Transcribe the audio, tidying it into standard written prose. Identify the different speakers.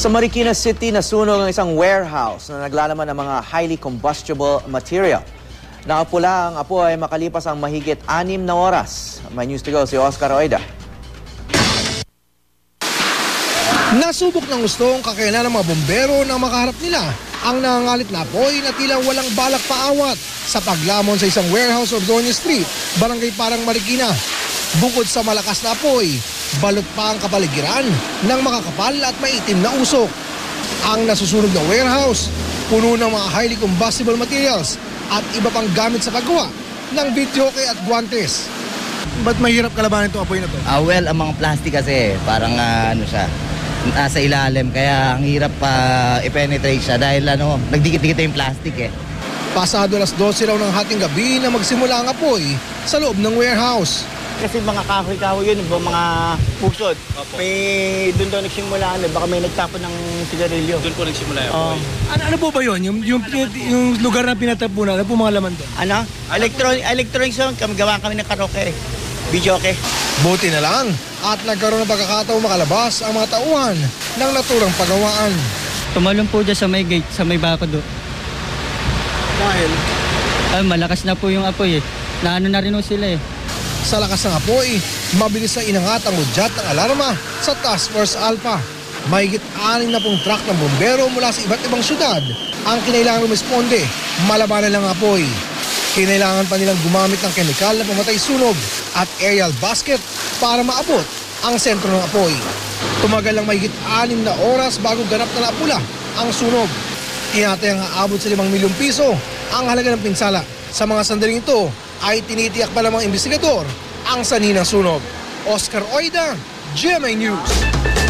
Speaker 1: Sa Marikina City, nasunog ang isang warehouse na naglalaman ng mga highly combustible material. Nakapula ang apoy makalipas ang mahigit 6 na oras. May news to go si Oscar Oida.
Speaker 2: Nasubok ng gustong kakayanan ng mga bombero na makaharap nila ang nangangalit na apoy na tila walang balak paawat sa paglamon sa isang warehouse of Doña Street, Barangay Parang, Marikina. Bukod sa malakas na apoy, balot pa ang kapaligiran ng makakapal at maitim na usok. Ang nasusunog na warehouse, puno ng mga highly combustible materials at iba pang gamit sa paggawa ng videoke at guantes. Ba't mahirap kalabanin itong apoy na to?
Speaker 3: Well, ang mga plastic kasi, parang nasa ilalim, kaya ang hirap i-penetrate siya dahil nagdikit-dikit yung plastic eh.
Speaker 2: Pasado alas 12 raw ng hating gabi na magsimula ang apoy sa loob ng warehouse.
Speaker 4: Kasi mga kahoy-kahoy yun, mga pusod. May doon daw nagsimula, baka may nagtapon ng sigarilyo. Doon po nagsimula yung apoy.
Speaker 2: Ano po ba yun? Yung lugar na pinatapunan, ano po mga laman doon?
Speaker 4: Electronics yun, gawa kami ng karaoke, videoke.
Speaker 2: Buti na lang at nagkaroon ng pagkakataon makalabas ang mga tauhan ng naturang pagawaan.
Speaker 5: Tumalon po dyan sa may gate, sa may bako do.
Speaker 2: Dahil?
Speaker 5: Malakas na po yung apoy eh. Naano na rin po sila eh.
Speaker 2: Sa lakas ng apoy, mabilis na inangat ang udyat ng alarma sa Task Force Alpha. Mahigit 6 na pong truck ng bombero mula sa iba't ibang syudad ang kinailangan rumisponde, malabanan ng apoy. Kinailangan pa nilang gumamit ng kemikal na pamatay sunog at aerial basket para maabot ang sentro ng apoy. Tumagal lang mahigit 6 na oras bago ganap na napula ang sunog. Tinatayang aabot sa 5 milyong piso ang halaga ng pinsala. Sa mga sandaling ito ay tinitiyak pa ng mga investigador ang sanhi ng sunog. Oscar Oida, GMA News.